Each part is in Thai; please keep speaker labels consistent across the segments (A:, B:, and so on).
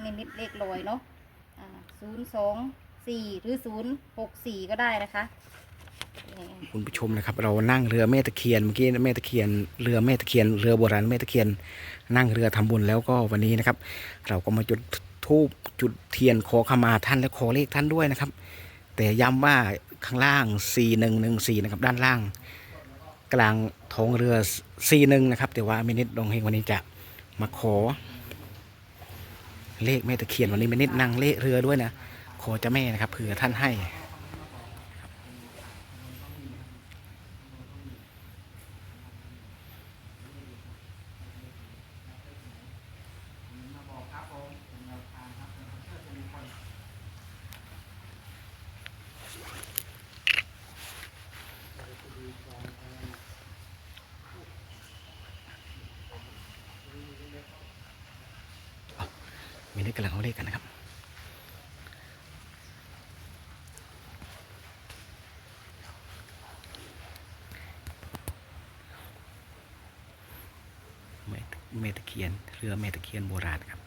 A: นิดเลขลอยเนาะ024หรือ064ก็ได้นะคะ
B: คุณผู้ชมนะครับเรานั่งเรือแม่ตะเคียนเมื่อกี้แม่ตะเคียนเรือแม่ตะเคียนเรือโบราณแม่ตะเคียนนั่งเรือทำบุญแล้วก็วันนี้นะครับ เราก็มาจุดธูปจุดเทียนขอขมาท่านและขอเลขท่านด้วยนะครับ แต่ย้ำว่าข้างล่าง4114นะครับด้านล่างกลางท้องเรือ41นะครับแต่ว่ามินิดดงเฮงวันนี้จะมาขอเลขแม่ตะเคียนวันนี้มินิดนั่งเลขเรือด้วยนะขอเจ้าแม่นะครับเผื่อท่านให้มินิดกำลังเอาเลขกันนะครับแม่ตะเคียนเรือแม่ตะเคียนโบราณครับ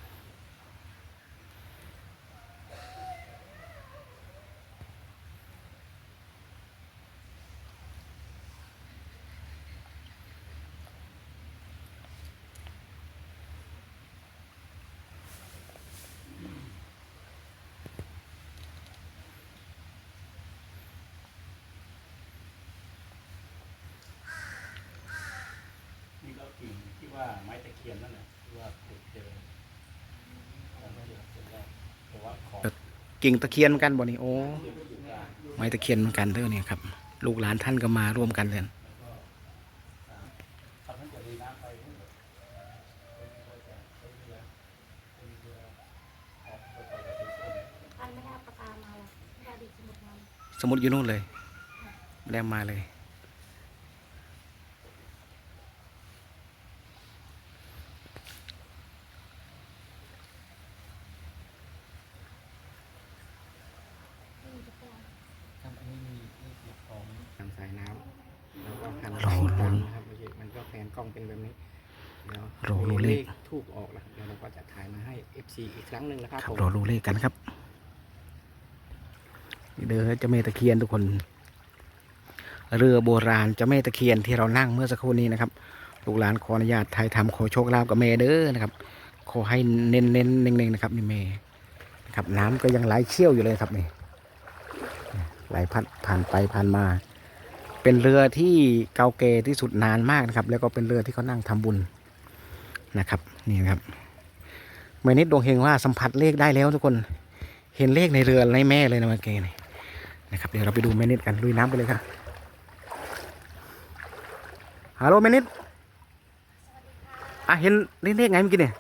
C: นี่ก็กิ่งที่ว่าไม้ตะเคียนนั่นแหละที่ว่าขุดเจอแต่ว่าของ
B: กิ่งตะเคียนเหมือนกันบ่นี่โอ้ไม้ตะเคียนเหมือนกันเด้อเนี่ยครับลูกหลานท่านก็มาร่วมกันเลย
A: อันไม่ได้เอาปากกามาเลยไม่ได้ดิสมุดมา
B: สมุดอยู่นู่นเลยแดมมาเลยทำสายน้ำแล้วก็หันรอลุ้นครับมันก็แผนกล้องเป็นแบบนี้แล้วรอรู้เลขทูบออกแล้วเดี๋ยวเราก็จะถ่ายมาให้ FC อีกครั้งหนึ่งนะครับรอรู้เลขกันครับเด้อเจ้าแม่ตะเคียนทุกคนเรือโบราณเจ้าแม่ตะเคียนที่เรานั่งเมื่อสักครู่นี้นะครับลูกหลานขออนุญาตถ่ายทำขอโชคลาภกับแม่เด้อนะครับขอให้เน้นเน่งๆนะครับนี่แม่นะครับน้ำก็ยังไหลเชี่ยวอยู่เลยครับนี่ไหลพัดผ่านไปผ่านมาเป็นเรือที่เก่าแก่ที่สุดนานมากนะครับแล้วก็เป็นเรือที่เขานั่งทำบุญนะครับนี่นะครับเมื่อนิดดวงเฮงว่าสัมผัสเลขได้แล้วทุกคนเห็นเลขในเรือในแม่เลยนะเมื่อกี้นี่นะครับเดี๋ยวเราไปดูแม่นิดกันลุยน้ำไปเลยครับฮัลโหลแม่นิดเห็นเลขไงเมื่อกี้เนี่ย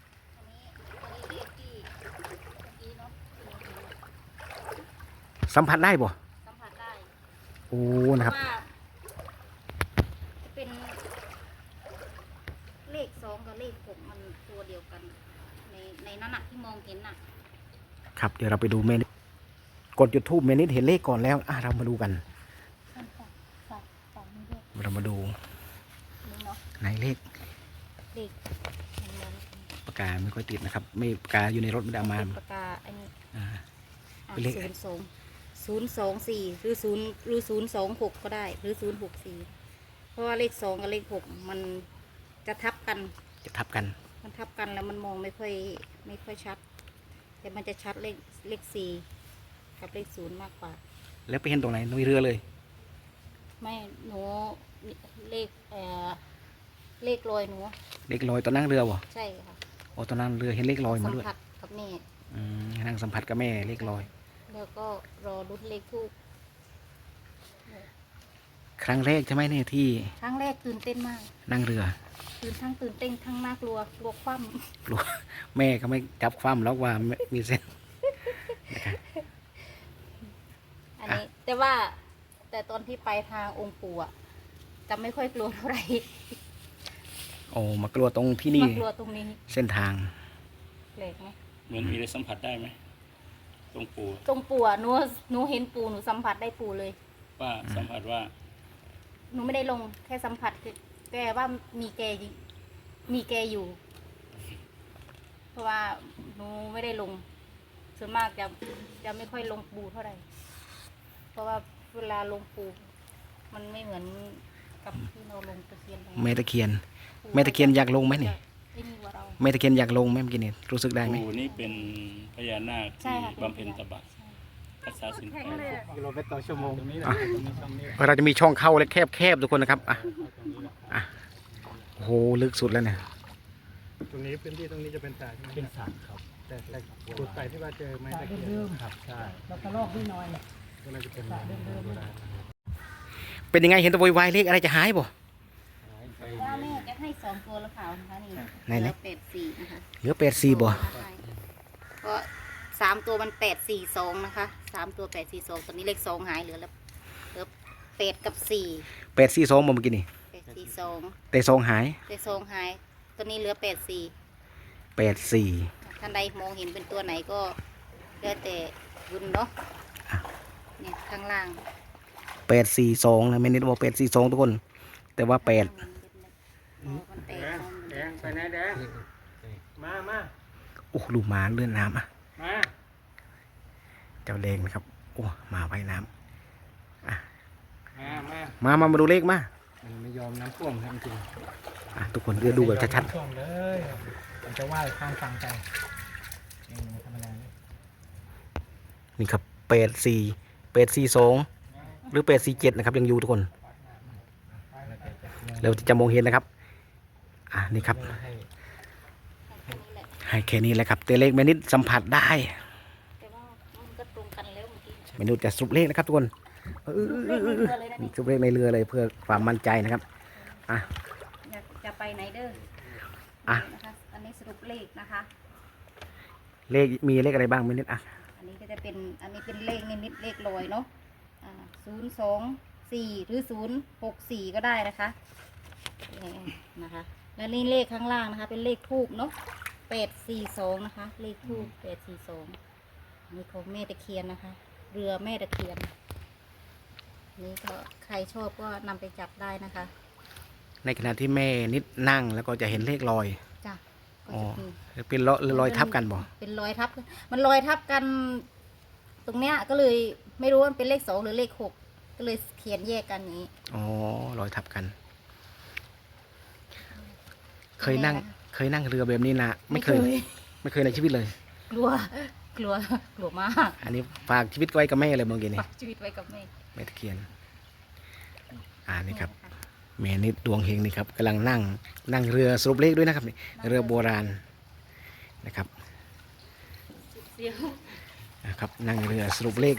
B: สัมผัสได้บ่
A: สัมผัสได้
B: โอ้นะครับ
A: ว่าจะเป็นเลข2กับเลข6มันตัวเดียวกันในนั้นที่มองเห็นน่ะ
B: ครับเดี๋ยวเราไปดูเมนิดกดจุดทูบเมนิดเห็นเลขก่อนแล้วเรามาดูกันเรามาดูไหนเลขปากกาไม่ค่อยติดนะครับไม่ปากกาอยู่ในรถไม่ได้มา
A: ปากกาอันนี้
B: เป็นเลข
A: 024หรือ026ก็ได้หรือ064เพราะว่าเลข2กับเลข6มันจะทับกัน
B: จะทับกัน
A: มันทับกันแล้วมันมองไม่ค่อยชัดแต่มันจะชัดเลข4กับเลข0มากกว่า
B: แล้วไปเห็นตรงไหนในเรือเลย
A: ไม่หนูเลขลอยหนู
B: เลขลอยตอนนั่งเรือวะ
A: ใช่ค่ะ
B: โอ้ตอนนั่งเรือเห็นเลขลอยมาด้วย
A: สัมผัสกับแม่
B: นั่งสัมผัสกับแม่เลขลอย
A: แล้วก็รอรุ้นเลขทูบ
B: ครั้งแรกใช่ไหมเนี่ยที่
A: ครั้งแรกตื่นเต้นมาก
B: นั่งเรือ
A: ตื่นเต้นทั้งน่ากลัวกลัวคว่
B: ำกลัวแม่ก็ไม่จับคว่ำแล้วว่ามีเส้น
A: อันนี้แต่ตอนที่ไปทางองค์ปู่จะไม่ค่อยกลัวเท่าไหร่
B: โอ้มากลัวตรงที่นี่
A: มากลัวตรงนี้
B: เส้นทาง
A: แปลกไหม
C: เหมือนมีอะไรสัมผัสได้ไหมตรงปู่
A: หนูเห็นปู่หนูสัมผัสได้ปู่เลย
C: ว่าสัมผัสว่า
A: หนูไม่ได้ลงแค่สัมผัสแกว่ามีแกอยู่เพราะราะว่าหนูไม่ได้ลงส่วนมากจะไม่ค่อยลงปูเท่าไหร่เพราะว่าเวลาลงปูมันไม่เหมือนกับที่เราลงตะเคียน
B: แม่ตะเคียนแม่ตะเคียนอยากลงไหมนี่
A: ไอ้นี่ว่าเรา
B: แม่ตะเคียนอยากลงไหมเมื่อกี้นี่รู้สึกได้ไหม
C: ปู่นี่เป็นพญานาค
A: ใช่
C: ที่
A: ค่ะ
C: บำเพ็ญตบะรักษาศีลแปด
D: กิโลเมตรต่อชั่วโมงตรงนี้นะ
B: อ่ะ
D: ตรงนี้ช่องนี้
B: เราจะมีช่องเข้าเล็กแคบๆทุกคนนะครับอ่ะอ่ะโอ้โหลึกสุดแล้วเนี่ย
D: ตรงนี้พื้นที่ตรงนี้จะเป็นสระใช่ไหมเป็นสระครับแต่จุดใส่ที่ว่าเจอไม้ตะเคียนครับใช่
E: เรากระลอกนิดหน่อย
D: ก็น่าจะเป็นโบราณ
B: เป็นยังไงเห็นแตะโวยวายเลขอะไรจะหายบ่
A: ว่าแม่จะให้2 ตัวแล้วเปล่านะคะนี่
B: ไหนๆ
A: เหลือ84นะคะ
B: เหลือ84บ่
A: ใช่ก็3 ตัวมัน842นะคะ3 ตัว842ตอนนี้เลข2หายเหลือ8กับ4
B: 842บ่เมื่อกี้นี่
A: 842
B: แต่ซองหาย
A: เลข2หายตัวนี้เหลือ84
B: 84
A: ท่านใดมองเห็นเป็นตัวไหนก็แล้วแต่บุญเนาะเนี่ยข้างล่าง
B: 842นะแม่นิดบอก842ทุกคน แต่ว่า8
A: มันแตก
D: แดงไปไหนแดงมา
B: โอ้ลูกหมาเลื่อนน้ำอ่ะ
D: มา
B: เจ้าแดงนะครับโอ้มาไว้น้
D: มา
B: ำมาดูเลขมา
D: มันไม่ยอมน้ำท่วมครับจริง
B: อ่ะทุกคนเดี๋ยวดูแบบชัด
D: ท่วมเลยมันจะว่ายข้ามฝั่งไปธรรมดา
B: ๆนี่ครับ84842หรือ847นะครับยังอยู่ทุกคนเราจะมองเห็นนะครับอ่ะนี่ครับให้แค่นี้แหละครับแต่เลขแม่นิดสัมผัสได้
A: แต่ว่ามันก็ตรงกันแล้วเมื่อกี้
B: แม่นิดจะสรุปเลขนะครับทุกคน
A: เลขเรือเลยนะนี่
B: สรุปเลขในเรือเลยเพื่อความมั่นใจนะครับอ่ะ
A: อยากจะไปไหนเด้อ
B: อ่ะ
A: นะคะอันนี้สรุปเลขนะคะ
B: เลขมีเลขอะไรบ้างแม่นิดอ่ะ
A: อันนี้ก็จะเป็นอันนี้เป็นเลขนิดๆเลขลอยเนาะ024หรือ064ก็ได้นะคะนะคะแล้วนี่เลขข้างล่างนะคะ เป็นเลขทูบเนาะ842นะคะ เลขทูบ842นี่ของแม่ตะเคียนนะคะ เรือแม่ตะเคียน นี่ก็ใครชอบก็นำไปจับได้นะคะ
B: ในขณะที่แม่นิดนั่งแล้วก็จะเห็นเลขลอย
A: จ้ะก็
B: อ๋อ
A: จะมี
B: เป็นรอยทับกันบ่
A: เป็นรอยทับ มันรอยทับกัน ตรงเนี้ยก็เลยไม่รู้ว่ามันเป็นเลข2หรือเลข6ก็เลยเขียนแยกกันอย่างนี้
B: อ๋อรอยทับกัน เคยนั่งเรือแบบนี้นะไม่เคยในชีวิตเลย
A: กลัว กลัวมาก
B: อันนี้ฝากชีวิตไว้กับแม่เลยเมื่อกี้นี่
A: ฝากชีวิตไว้กับแม่
B: แม่ตะเคียนนี่ครับแม่นิดดวงเฮงนี่ครับกำลังนั่งเรือสรุปเลขด้วยนะครับนี่เรือโบราณนะครับ
A: เดี๋ยว
B: นะครับนั่งเรือสรุปเลข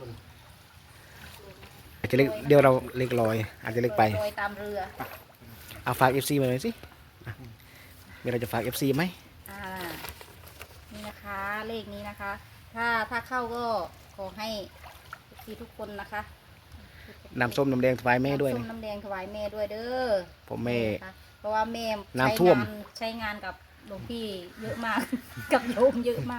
B: อาจจะเลขเดี๋ยวเราเลขลอย อาจจะเลขไป
A: ลอยตามเรือ
B: เอาฝาก FC มาหน่อยสิอ่ะมีอะไรจะฝาก FC ไหม
A: นี่นะคะ เลขนี้นะคะ ถ้าเข้าก็ขอให้ทุกคนนะคะ
B: น้ำส้มน้ำแดงถวายแม่ด้วย
A: น้ำส้
B: นะ
A: มน้ำแดงถวายแม่ด้วยเด้อ
B: ผมแม่
A: นะคะเพราะว่าแม่
B: น้ำท่วม
A: ใช้งานกับหลวงพี่เยอะมาก กับโยมเยอะมาก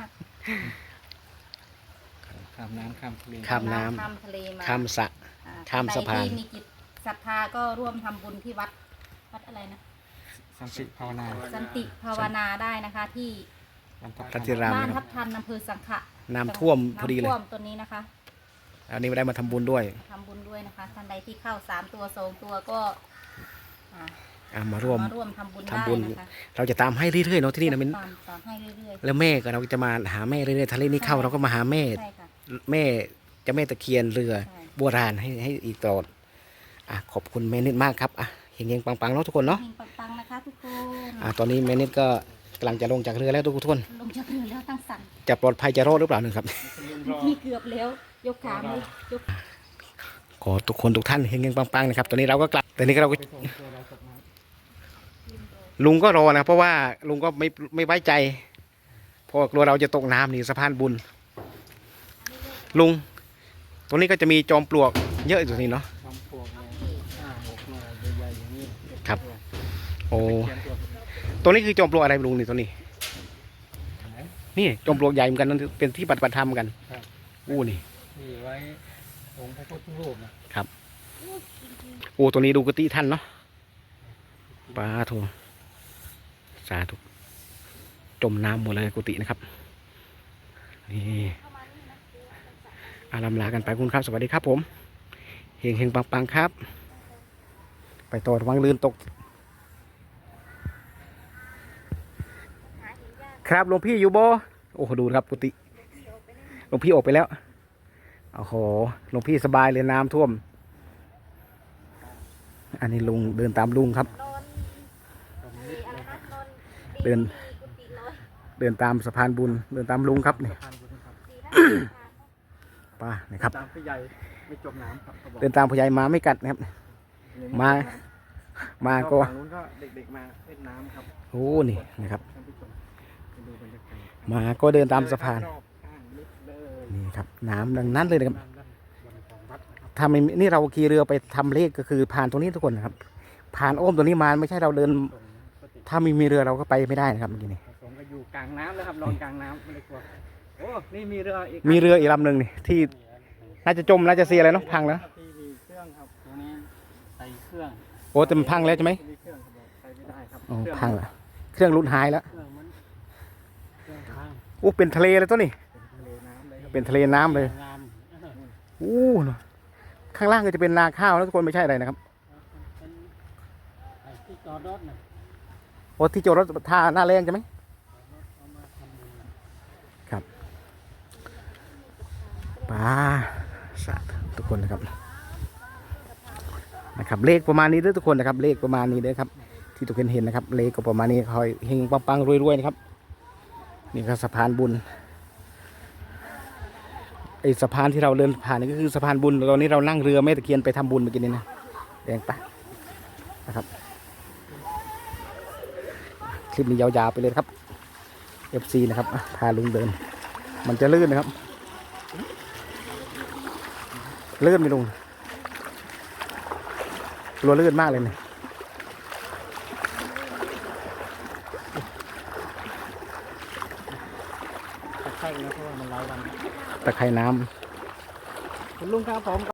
D: ข้ามน้ำข้ามทะเล
B: ข้ามน้
A: ข้ามทะเลมา
B: ำข้ามสระ
A: อ่
B: ข้ามสะพาน
A: ใครที่มีจิตศรัทธาก็ร่วมทำบุญที่วัดอะไรนะ
D: สันติภาวนา
A: สันติภาวนาได้นะคะ ที่
B: ทัตติราม
A: บ้าน
B: นะค
A: ทั
B: รับบ
A: ทันอำเภอสังขะ
B: น้ำท่วมพอดีเลย
A: น้ำท่วมตัวนี้นะคะ
B: อันนี้ไม่ได้มาทำบุญด้วย
A: ทำบุญด้วยนะคะท่านใดที่เข้า3 ตัว2 ตัวก็
B: มาร่วม
A: ทำบุญ
B: ทำบุญ
A: ได้นะคะ
B: เราจะตามให้เรื่อยๆเนาะที่นี่นะมิน
A: ตามให้เรื่อย
B: แล้วแม่ก็เราจะมาหาแม่เรื่อยๆทะเลนี้เข้าเราก็มาหาแม่
A: ๆใช่ค่ะ
B: แม่เจะแม่ตะเคียนเรือ
A: ใช่
B: โบราณให้อีกตลอดขอบคุณแม่นิดมากครับเฮงๆปังๆเนาะทุกคนเนาะ
A: เฮงปังๆนะคะทุกคน
B: ตอนนี้แม่นิดก็กำลังจะลงจากเรือแล้วทุกคน
A: ลงจากเรือแล้วตั้งสั่น
B: จะปลอดภัยจะรอดหรือเปล่านึงครับ
A: ที่เกือบแล้วยกขาไม่ยก
B: ขอทุกคนทุกท่านเฮงๆปังๆนะครับตอนนี้เราก็กลับตอนนี้เราก็ลุงก็รอนะเพราะว่าลุงก็ไม่ไว้ใจเพราะกลัวเราจะตกน้ำนี่สะพานบุญลุงตรงนี้ก็จะมีจอมปลวกเยอะอยู่ตรงนี้เนาะ
D: จอมปลวกเลย6 หน่วยใหญ่ๆอย่างนี้
B: ครับ โอ้ตรงนี้คือจอมปลวกอะไรลุงนี่ตรงนี้ นี่จอมปลวกใหญ่เหมือนกันนั่นเป็นที่ปฏิบัติธรรมกันอู้นี่
D: นี่ไว้องค์พระพุทธรูปนะ
B: โอ้ตัวนี้ดูกติท่านเนาะปาโทสาธุจมน้ำหมดเลยกุฏินะครับนี่อาลำลากันไปคุณครับสวัสดีครับผมเฮงเฮงปังๆครับไปต่อระวังลื่นตกครับหลวงพี่อยู่บ่โอ้โหดูครับกุฏิหลวงพี่ออกไปแล้วโอ้โหหลวงพี่สบายเลยน้ำท่วมอันนี้ลุงเดินตามลุงครับเดินตามสะพานบุญเดินตามลุงครับนี่ป้านี่ครับ
D: ตามผู้ใหญ่ไม่จมน้ำครับเขาบอก
B: เดินตามผู้ใหญ่มาไม่กัดนะครับมาก็
D: ฝั่งนู้นก็เด็กๆมาเล่นน้ำครับ
B: โอ้นี่นะครับ
D: ท่านผู้ชมไปดูบรรยากาศ
B: มาก็เดินตามสะพาน
D: รอบข้างนิดเลย
B: นี่ครับน้ำดังนั้นเลยนะครับ
D: ด้านบนของวัดนะครับ
B: ถ้าไม่นี่เราขี่เรือไปทำเลขก็คือผ่านตรงนี้ทุกคนนะครับ ผ่านโอ้อมตัวนี้มาไม่ใช่เราเดิน
D: ส่งปฏิ
B: ถ้าไม่มีเรือเราก็ไปไม่ได้นะครับเมื่อกี้นี่
D: ผสมก็อยู่กลางน้ำแล้วครับนอนกลางน้ำไม่ได้กลัวโอ้นี่มีเรืออีก
B: มีเรืออีกลำหนึ่งนี่ที่น่าจะจมน่าจะเสียอะไรเนาะพังแล้ว
D: ที่มีเครื่องครับ
C: ตัวนี้ใส่เครื่อง
B: โอ้แต่มันพังแล้วใช่ไหม
D: มีเครื่องครับใช้ไม่ได้ครับ
B: อ๋อ
D: เครื่อง
B: พังแล้วเครื่องรุดหายแล้ว
C: เครื่องมันเครื่องทาง
B: โอ้เป็นทะเลเลยตัวนี้
D: เป็นทะเลน้ำเลยครับ
B: เป็นทะเลน้ำเลย
C: งาม
B: อู้ข้างล่างก็จะเป็นนาข้าวนะทุกคนไม่ใช่อะไรนะครับ
C: เป็นไอ้ที่จอดรถน่ะ
B: โอ้ที่จอดรถท่าหน้าแรงใช่ไหม
C: เอามาทำบุญน่ะ
B: ครับป้าสาธุทุกคนนะครับเลขประมาณนี้เด้อทุกคนนะครับเลขประมาณนี้เด้อครับที่ทุกคนเห็นนะครับเลขก็ประมาณนี้คอยเฮงปังๆรวยๆนะครับนี่ก็สะพานบุญไอสะพานที่เราเดินผ่านนี่ก็คือสะพานบุญตอนนี้เรานั่งเรือแม่ตะเคียนไปทำบุญเมื่อกี้นี้นะแดงปะนะครับคลิปนี้ยาวๆไปเลยครับ FC นะครับพาลุงเดินมันจะลื่นนะครับลื่นไหมลุงกลัวลื่นมากเลยเนี่ย
D: ใช่นะเพราะว่ามันหลายวัน
B: ตะไคร่น้ำ
D: คุณลุงครับผม